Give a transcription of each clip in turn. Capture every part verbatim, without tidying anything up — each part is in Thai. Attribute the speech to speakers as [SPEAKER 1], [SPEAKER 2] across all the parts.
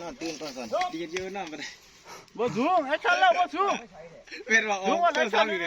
[SPEAKER 1] อนตื่นก่อนก่อนดีเยอะนอนไปเลย
[SPEAKER 2] บ่สูงไอ้ชั้นแล้วบ่สูง
[SPEAKER 1] เป็นว่า
[SPEAKER 2] สูงกว่าไอ้ชั้นนี่ดิ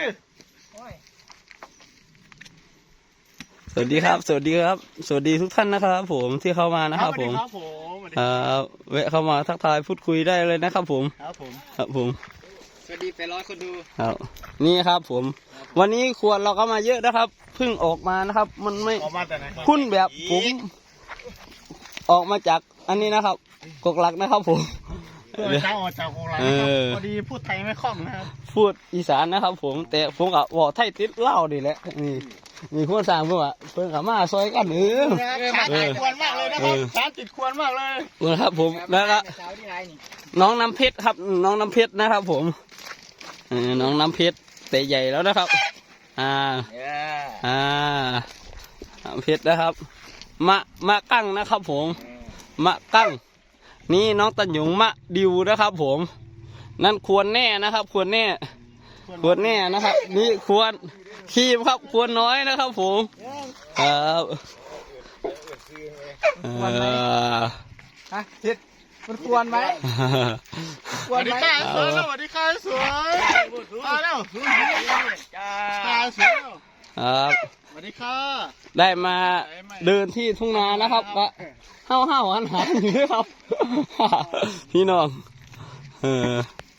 [SPEAKER 3] สวัสดีครับสวัสดีครับสวัสดีทุกท่านนะครับผมที่เข้ามานะครับผม
[SPEAKER 2] ครับผมสวัสดี
[SPEAKER 3] เอ่อแวะเข้ามาทักทายพูดคุยได้เลยนะครับผม
[SPEAKER 2] ครับผม
[SPEAKER 3] ครับผม
[SPEAKER 1] สวัสดีไปร้อยคนดู
[SPEAKER 3] ครับนี่ครับผม วันนี้ขวดเราก็มาเยอะนะครับเพิ่งออกมานะครับ มันไม่
[SPEAKER 2] ออกมาแต่ไหน
[SPEAKER 3] คุ้นแบบผมออกมาจากอันนี้นะครับกกหลักนะครับผม
[SPEAKER 2] เออเจ้าออกจากโรงแรม
[SPEAKER 3] เอ
[SPEAKER 2] นะครับ
[SPEAKER 3] อ
[SPEAKER 2] พอดีพูดไทยไม่คล่องนะครับ
[SPEAKER 3] พูดอีสานนะครับผมแต่ผมกับบอกไทยติดเหล้าดีแหละนี่มีคนสั่งเพื่อนว่าเพื่อนกับมาซอยกันเออ
[SPEAKER 2] ขาติดควรมากเลยนะครับขาติดควรมากเลย
[SPEAKER 3] นะครับผมแล้วก็
[SPEAKER 1] สาวที่ไรนี่
[SPEAKER 3] น้องน้ำเพชรครับน้องน้ำเพชรนะครับผมเออน้องน้ำเพชรแต่ใหญ่แล้วนะครับ อ่า
[SPEAKER 1] เออ
[SPEAKER 3] อ่าน้ำเพชรนะครับ มะมะกั้งนะครับผม มะกั้งนี่น้องตันหยงมะดิวนะครับผม นั่นควรแน่นะครับ ควรแน่ ควรแน่นะครับ นี่ควรขีบครับควรน้อยนะครับผมครับเอ่อ
[SPEAKER 1] ฮะทิศมันควรไหม
[SPEAKER 2] สวัสดีค่ะสวยสวัสดีค่ะสวยมาแล้วตาสวย
[SPEAKER 3] ครับ
[SPEAKER 2] สวัสดีค่ะ
[SPEAKER 3] ได้มาเดินที่ทุ่งนานะครับก็ห้าวห้าวหันหันอยู่ครับ พี่น้องเออ